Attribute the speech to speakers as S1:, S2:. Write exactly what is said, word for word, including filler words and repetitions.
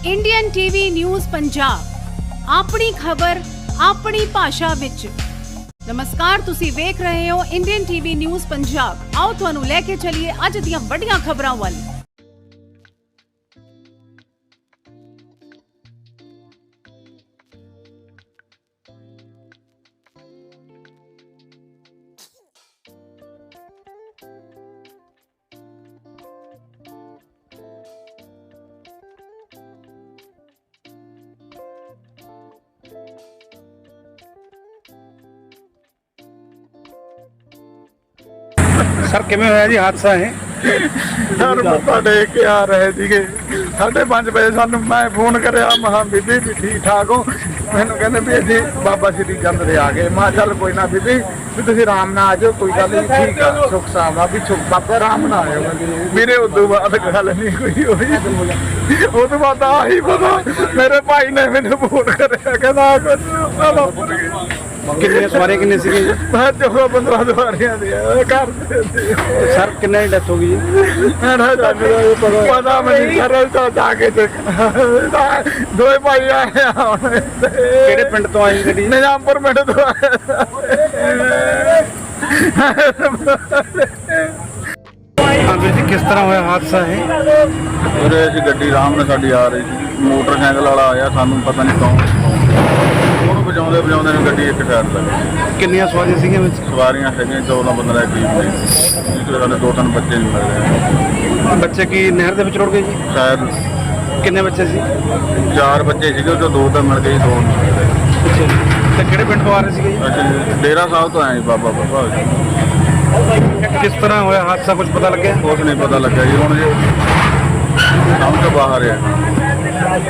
S1: Indian TV news Punjab ਆਪਣੀ ਖਬਰ ਆਪਣੀ ਭਾਸ਼ਾ ਵਿੱਚ। ਨਮਸਕਾਰ, ਤੁਸੀਂ ਵੇਖ ਰਹੇ ਹੋ ਇੰਡੀਅਨ ਟੀਵੀ ਨਿਊਜ਼ ਪੰਜਾਬ। ਆਓ ਤੁਹਾਨੂੰ ਲੈ ਕੇ ਚੱਲੀਏ ਅੱਜ ਦੀਆਂ ਵੱਡੀਆਂ ਖਬਰਾਂ ਵੱਲ।
S2: सर किवें होया जी हादसा है?
S3: सर मत्था टेक के आ रहे थे साढ़े पाँच बजे सानू मैं फोन कराया महा बीबी भी ठीक ठाक हो। मैनू कहते भी अभी बाबा श्री चंद दे आ गए। मैं चल कोई ना बीबी भी तुम आराम ना आ जाओ, कोई गल नहीं, ठीक है सुख साम आ भी सुख बाबा आराम ना आयो। मेरे उदों बाद गल नहीं कोई हुई। उस तो बाद आ ही पता मेरे भाई ने मैनू फोन कराया कहना
S2: कितने सवारी कितने सी?
S3: मैं चौदह पंद्रह सवारियां घर
S2: सर किन्ने की डेथ हो गई जी?
S3: पता नहीं सर जाके दो भाई आए
S2: किहड़े पिंड तो आई गड्डी?
S3: निजामपुर पिंड तो
S2: हाँ जी, किस तरह होया हादसा है?
S3: उरे असीं गड्डी आराम नाल साडी आ रही सी, मोटरसाइकिल वाला आया, सानू पता नहीं कौन ਉਹਨੂੰ ਵਜਾਉਂਦੇ ਵਜਾਉਂਦੇ ਨੂੰ ਗੱਡੀ ਇੱਕ ਟਾਇਰ ਲੱਗੀ।
S2: ਕਿੰਨੀਆਂ ਸਵਾਰੀਆਂ ਸੀਗੀਆਂ ਵਿੱਚ?
S3: ਸਵਾਰੀਆਂ ਹੈਗੀਆਂ ਚੌਦਾਂ ਪੰਦਰਾਂ ਦੇ ਕਰੀਬ ਨੇ, ਜਿਹਦੇ ਸਾਡੇ ਦੋ ਤਿੰਨ ਬੱਚੇ ਨਹੀਂ ਮਿਲ ਰਹੇ।
S2: ਬੱਚੇ ਕੀ ਨਹਿਰ ਦੇ ਵਿੱਚ ਰੁੜ ਗਏ ਜੀ?
S3: ਸ਼ਾਇਦ
S2: ਕਿੰਨੇ ਬੱਚੇ ਸੀ?
S3: ਚਾਰ ਬੱਚੇ ਸੀਗੇ, ਉਹ 'ਚੋਂ ਦੋ ਤਾਂ ਮਿਲ ਗਏ, ਦੋ ਨਹੀਂ ਮਿਲ ਰਹੇ।
S2: ਅੱਛਾ ਜੀ, ਤੇ ਕਿਹੜੇ ਪਿੰਡ ਤੋਂ ਆ ਰਹੇ ਸੀਗੇ ਜੀ?
S3: ਅਸੀਂ ਡੇਰਾ ਸਾਹਿਬ ਤੋਂ ਆਏ ਜੀ, ਬਾਬਾ ਬਾਬਾ।
S2: ਕਿਸ ਤਰ੍ਹਾਂ ਹੋਇਆ ਹਾਦਸਾ, ਕੁਝ ਪਤਾ ਲੱਗਿਆ?
S3: ਕੁਛ ਨਹੀਂ ਪਤਾ ਲੱਗਾ ਜੀ, ਹੁਣ ਜੀ ਸਮਝ ਤੋਂ ਬਾਹਰ ਆ।